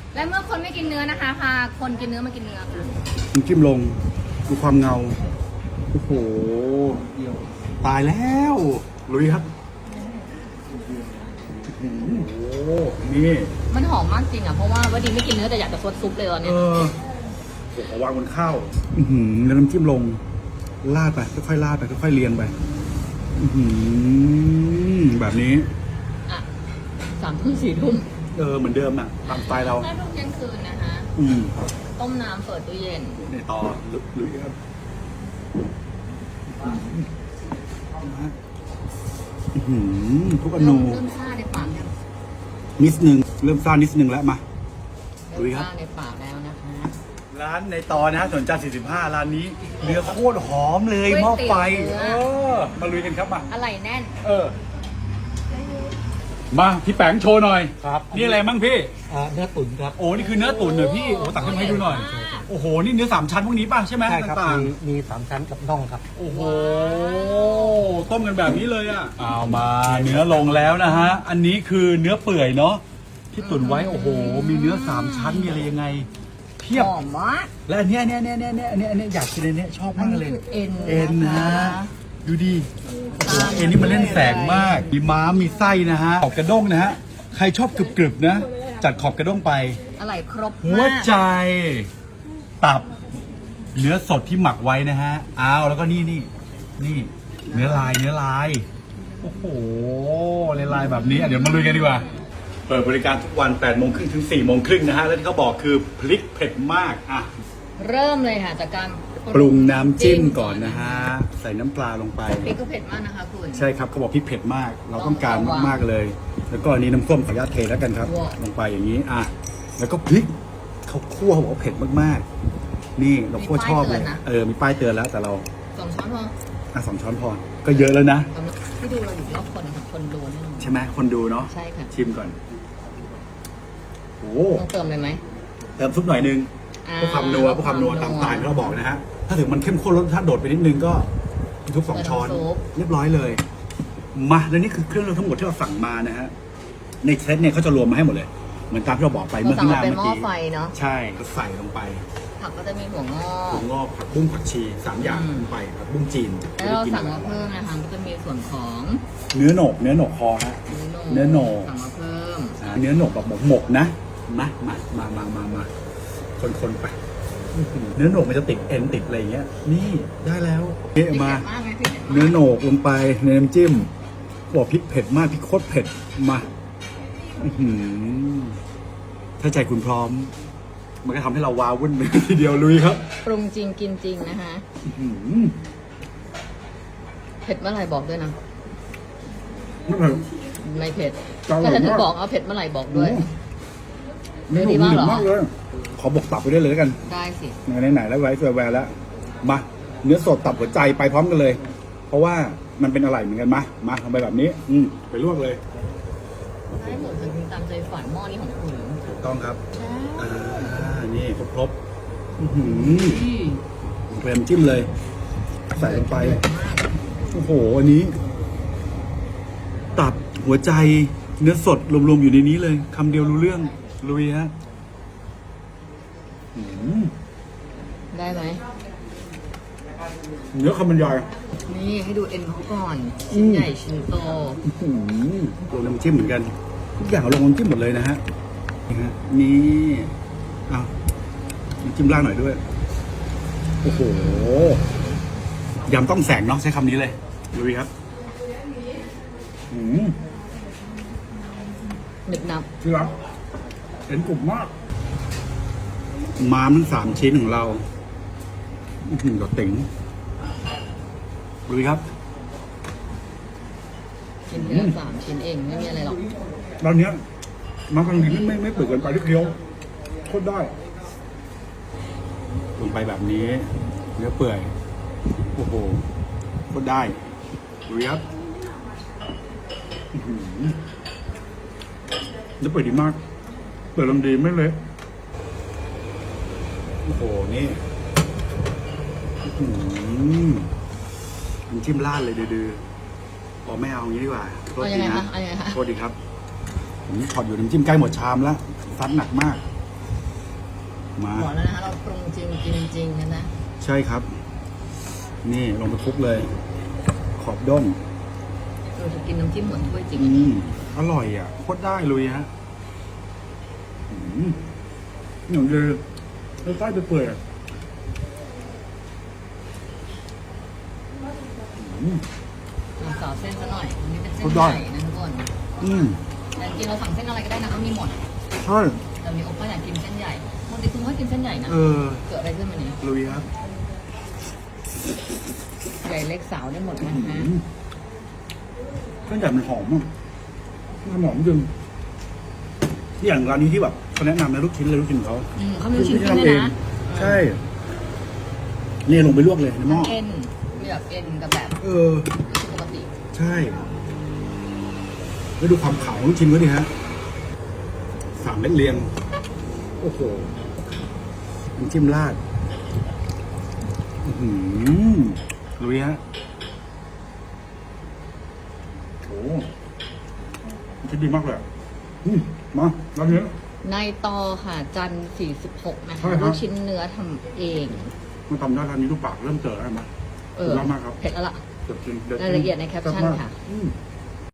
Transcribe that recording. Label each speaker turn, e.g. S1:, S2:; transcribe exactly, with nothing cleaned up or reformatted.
S1: และเมื่อคนไม่กินเนื้อนะคะพาคนกินเนื้อมากินเนื้อค่ะ
S2: น้ำจิ้มลงดูความเงาโอ้โหตายแล้วลุยครับโอ้โหนี่
S1: มันหอมมากจริงอ่ะเพราะว่าว่าดีไม่กินเนื้อแต่อยากจะซดซุปเลยตอน
S2: เอ
S1: นี้
S2: อโอ้โหวางบนข้าวอือหือแล้วน้ำจิ้มลงลาดไปค่อยๆลาดไปค่อยๆเรียงไปอือหือแบบนี้
S1: อ่ะสามทุ่มสี่ทุ่ม
S2: เออเหมือนเดิมอ่ะตามสไตล์เรา
S1: ห้าทุ่มเที่ยงคืนนะคะ
S2: อืม
S1: ต้มน้ำเปิดตู้เย็น
S2: ในต่อลุยครับอื้อหือทุกอ
S1: เริ่
S2: นู
S1: มเริ่มซ่าในปากยัง
S2: นิดนึงเริ่มซ่านิดนึงแล้วมา
S1: เริ่
S2: ลุ
S1: ม
S2: ยครับ
S1: ซ่าในปากแล้วนะคะ
S2: ร้านในตอนะฮะสวนจันทร์สี่สิบห้าร้านนี้เนื้อโคตรหอมเลยหม้อไฟเออมาลุยกันครับมา
S1: อะไรแน่น
S2: เออ มาพี่แปงโชว์หน่อย
S3: ครับ
S2: นี่อะไรมั่งพี่
S3: อ่าเนื้อตุ๋นครับ
S2: โอ้นี่คือเนื้อตุ๋นเหรอพี่โอ้ตักขึ้นมาให้ดูหน่อย โอ้โหนี่เนื้อสามชั้นพวกนี้ป่ะใช่ไหม
S3: ใช่ครับ
S2: ต่าง
S3: มีมีสามชั้นกับน่องครับ
S2: ๆโอ้โหต้มกันแบบนี้เลยอ่ะเอามาเนื้อลงแล้วนะฮะอันนี้คือเนื้อเปื่อยเนาะที่ตุ๋นไว้โอ้โหมีเนื้อสามชั้นมีอะไรยังไงเพียบ
S1: หอมมาก
S2: และอันเนี้ยเนี่ยเนี่ยเนี่ยเนี่ยอันเนี้ยอันเนี้ยอยากกินอันเนี้ยชอบมากเลย
S1: อันนี้คือเอ็น
S2: เอ็นนะ
S1: นะคะ
S2: ฮะดูดิโอ้โหเอ็นนี่มันเล่นแสงมากมีม้ามมีไส้นะฮะขอบกระด้งนะฮะใครชอบกรึบๆนะ จัดขอบกระด้งไป
S1: อะไรครบ
S2: หัว
S1: มาก
S2: ใจ ตับ เนื้อสดที่หมักไว้นะฮะอ้าวแล้วก็นี่นี่นี่ เนื้อลายเนื้อลายโอ้โหลายลายแบบนี้อ่ะเดี๋ยวมาลุยกันดีกว่า เปิดบริการทุกวันแปดโมงครึ่งถึงสี่โมงครึ่งนะฮะแล้วที่เขาบอกคือพริกเผ็ดมากอ่ะ
S1: เริ่มเลยค่ะจากการ
S2: ปรุงน้ำจิ้มก่อนนะฮะ ใส่น้ำปลาลงไป
S1: พริกก็เผ็ดมากนะคะคุณ
S2: ใช่ครับเขาบอกพริกเผ็ดมาก เราต้องการมากๆเลย แล้วก็อันนี้น้ำส้มขออนุญาตเทแล้วกันครับ
S1: ว้าว
S2: ลงไปอย่างนี้อ่ะแล้วก็พริกเขาคั่วเขาบอกว่าเผ็ดมากๆ นี่เราคั่วชอบเลยเออมีป้ายเตือนแล้วแต่เรา
S1: สองช้อนพอ
S2: อ่ะสองช้อนพอก็เยอะแล้วนะ
S1: สำหรับที่ดูเราอยู่รอบคนค่ะคนดูแน่นอน
S2: ใช่ไหมคนดูเนาะ
S1: ใช่ค่ะ
S2: ชิมก่อนโอ้
S1: ต้องเติมเลยไหม
S2: เติมซุปหน่อยนึง
S1: อ่า
S2: เพื่อความนัวเพื่อความนัวตามสไตล์ที่เราบอกนะฮะถ้าถึงมันเข้มข้นรสชาติโดดไปนิดนึงก็ทุกสองช้อนเรียบร้อยเลย มาแล้วนี่คือเครื่องทั้งหมดที่เราสั่งมานะฮะในเซตเนี่ยเขาจะรวมมาให้หมดเลย เหมือนตามที่เราบอกไป
S1: เรา
S2: เมื่อ
S1: สั่ง
S2: ข้างห
S1: มา
S2: น้า
S1: เป็น
S2: เมื่อ
S1: หม้อ
S2: กี้
S1: ไฟเนาะ
S2: ใช่ก็ใส่ลงไป
S1: ผักก็จะมีหัวงอ
S2: ถั่วงอกผักบุ้งผักชีสามอย่าง
S1: อืม
S2: ลงไปผักบุ้งจีน
S1: แล้วเรา
S2: ไม่ได้กิน
S1: สั่งมาเพิ่มนะคะก็จะมีส่วนของ
S2: เนื้อโหนกเนื้อโหนกคอฮะ เนื้อโหนก
S1: สั่งมาเพิ่ม
S2: อ่าเนื้อโหนกแบบหมกหมกๆนะมามามามามามาคนคนๆไปอื้อหือเนื้อโหนกมันจะติดเอ็นติดอะไรอย่างเงี้ยนี่ได้แล้วเอะมา
S1: พริกเผ็ดมากไหมพริกเผ็ดมาก
S2: เนื้อโหนกลงไปในน้ำจิ้มบอกพริกเผ็ดมากพริกโคตรเผ็ดมาอื้อหือถ้าใจคุณพร้อม มันก็ทำให้เราว้าวุ่นไปทีเดียวลุยครับ
S1: ปรุงจริงกินจริงนะคะ
S2: อื้อหือ
S1: เผ็ดเมื่อไหร่บอกด้วยนะ
S2: ไม่เผ็ด
S1: ไม่เผ็ด
S2: อร่
S1: ก็
S2: อยมาก
S1: จะถึงบอกเอาเผ็ดเมื่อไหร่บอกด้วย
S2: เนื้อ
S1: ดี
S2: ห
S1: มาก
S2: นึ
S1: เหรอ
S2: มากเลย ขอบอกตับไปด้วยเลยแล้วกัน
S1: ได้สิ
S2: ไหนๆแล้วไว้แวร์แล้ว มา เนื้อสดตับหัวใจไปพร้อมกันเลย เพราะว่ามันเป็นอะไรเหมือนกันมามาทำไปแบบนี้ อืมไปลวกเลย
S1: ให้หมดจริงๆตามใจฝันหม้อนี้ของคุณ
S2: ถูกต้องครับ
S1: ใช่
S2: อ่า นี่ครบครบๆอื้อหือ
S1: อืม
S2: เกรมจิ้มเลย ใส่ลงไป โอ้โห อันนี้ ตับหัวใจ เนื้อสดรวมๆอยู่ในนี้เลยคำเดียวรู้เรื่องลุยฮะอืม
S1: ได้ไหม
S2: เนื้อคำบรรยาย
S1: นี่ให้ดูเอ็นเขาก่อน
S2: อื
S1: ชิ้น
S2: ม
S1: ใหญ่ชิ้นโต
S2: อื้อหือลงน้ำจิ้มเหมือนกัน ทุกอย่างลงน้ำจิ้มหมดเลยนะฮะนี่ฮะนี่เอาน้ำจิ้มล่างหน่อยด้วย โอ้โหยำต้องแสงเนาะใช้คำนี้เลยลุยครับอืม
S1: หนึบหนับ
S2: ที่รักเห็นกลุ่มมาก ม้ามทั้งสามชิ้นของเราอื้อหือกับติ๋งลุยครับ
S1: ชิ้นเนื้อสามชิ้นเองไม่มีอะไรหรอก
S2: ตอนเนี้ยมันกำลังดีไม่ไม่ไม่เปิดเกินไปที่เคี้ยวโคตรได้ลงไปแบบนี้ เนื้อเปื่อย โอ้โหโคตรได้ลุยครับอื้อหือเนื้อเปื่อยดีมาก เปื่อยลำดีไม่เละโอ้โห นี่อื้อหือน้ำจิ้มราดเลยดื้อๆพอไม่เอาอย่างนี้ดีกว่าโทษ
S1: เอายั
S2: ที
S1: งไง
S2: นะ
S1: คะเอายังไงคะ
S2: โทษดีครับ ผมถอดอยู่น้ำจิ้มใกล้หมดชามแล้วซัดหนักมากมา
S1: บอกแล้วนะคะเราปรุงจริงกินจริงนะนะ
S2: ใช่ครับ นี่ลงไปคลุกเลย ขอบด้น
S1: เราจะกินน้ำจิ้มหมดถ้วยจริง
S2: อืมอร่อยอ่ะโคตรได้เลยฮะอืมหนุ่มเลยแล้วใต้ไปเปื่อยๆอ่ะอืม
S1: เราสาวเส้นซะหน่อยอันนี้เป็นเส้น
S2: สุด
S1: ให
S2: ยอด
S1: ญ่นะทุกคน
S2: อืม
S1: แต่จริงเราสั่งเส้นอะไรก็ได้นะก็มีหมด
S2: ใช่
S1: แต่มีโอป้าอยากกินเส้นใหญ่ปกติคุณก็กินเส้นใหญ่นะ
S2: เออ
S1: เกิดอะไรขึ้นมาเนี่ย
S2: ลุยครับ
S1: ใหญ่เล็กสาวได้หมดนะ
S2: อื
S1: ฮะ
S2: มเส้นใหญ่มันหอมอ่ะมันหอมจริงที่อย่างร้านนี้ที่แบบเขาแนะนำนะลูกชิ้นเลยลูกชิ้นเขา
S1: อืมเขามีลูกชิ้น
S2: ที่
S1: เส้น
S2: ทำ
S1: ด้
S2: เอ
S1: วย
S2: ง
S1: นะ
S2: ใช่เนี่ยลงไปลวกเลยในหม้อ
S1: ทั้งเอ็นมีแบบเอ็นกับแบบ
S2: เออ
S1: ปกติ
S2: ใช่แล้วดูความขาวของลูกชิ้นเขาดิฮะสามเม็ดเรียง โอ้โหน้ำจิ้มราดอื้อหือลุยฮะโอ้มันจะดีมากเลยอะอืมมาร้านนี้
S1: ในตอค่ะ จันทร์สี่สิบหกนะ
S2: ใช่
S1: คะ
S2: ครับ
S1: ลูกชิ้นเนื้อทำเอง
S2: มาทำได้ร้านนี้ทุกปากเริ่มเจอแล้วไหม
S1: เออ
S2: สุดยอดมากครับ
S1: เผ็ดแล้วล่ะ
S2: เดี๋ยวกินดี๋วกิน
S1: รายละเอียดในแคปชั่น
S2: แซ่บมาก
S1: ค่ะ
S2: อืม